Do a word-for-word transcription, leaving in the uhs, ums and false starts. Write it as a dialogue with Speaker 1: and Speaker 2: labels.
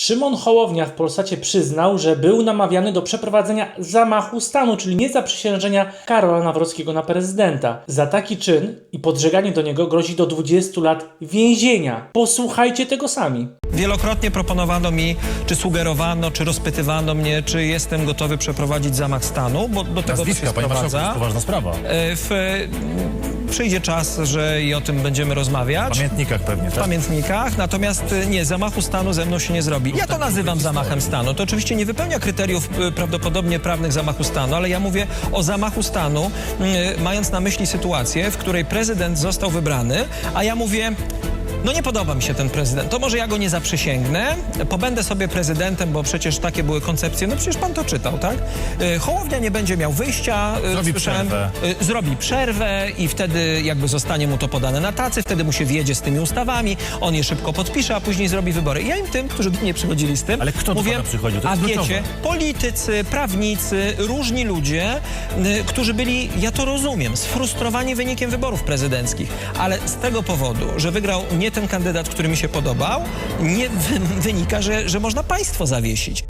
Speaker 1: Szymon Hołownia w Polsacie przyznał, że był namawiany do przeprowadzenia zamachu stanu, czyli niezaprzysiężenia Karola Nawrockiego na prezydenta. Za taki czyn i podżeganie do niego grozi do dwudziestu lat więzienia. Posłuchajcie tego sami.
Speaker 2: Wielokrotnie proponowano mi, czy sugerowano, czy rozpytywano mnie, czy jestem gotowy przeprowadzić zamach stanu, bo do tego to się
Speaker 3: Panie marszałku, to
Speaker 2: sprowadza.
Speaker 3: jest poważna sprawa.
Speaker 2: E, W, przyjdzie czas, że i o tym będziemy rozmawiać.
Speaker 3: W pamiętnikach pewnie,
Speaker 2: W
Speaker 3: tak?
Speaker 2: pamiętnikach, natomiast e, nie, zamachu stanu ze mną się nie zrobi. Ja to nazywam zamachem stanu. To oczywiście nie wypełnia kryteriów e, prawdopodobnie prawnych zamachu stanu, ale ja mówię o zamachu stanu, e, mając na myśli sytuację, w której prezydent został wybrany, a ja mówię... No nie podoba mi się ten prezydent. To może ja go nie zaprzysięgnę, pobędę sobie prezydentem, bo przecież takie były koncepcje. No przecież pan to czytał, tak? Y, Hołownia nie będzie miał wyjścia. y,
Speaker 3: Zrobi
Speaker 2: słyszałem,
Speaker 3: przerwę.
Speaker 2: y, Zrobi przerwę i wtedy jakby zostanie mu to podane na tacy, wtedy mu się wjedzie z tymi ustawami, on je szybko podpisze, a później zrobi wybory. I ja im tym, którzy do mnie przychodzili z tym,
Speaker 3: Ale kto do
Speaker 2: mówię,
Speaker 3: pana przychodził? To
Speaker 2: a
Speaker 3: jest
Speaker 2: wiecie,
Speaker 3: kluczowe.
Speaker 2: politycy, prawnicy, różni ludzie, y, którzy byli, ja to rozumiem, sfrustrowani wynikiem wyborów prezydenckich, ale z tego powodu, że wygrał nie ten kandydat, który mi się podobał, nie wy wynika, że, że można państwo zawiesić.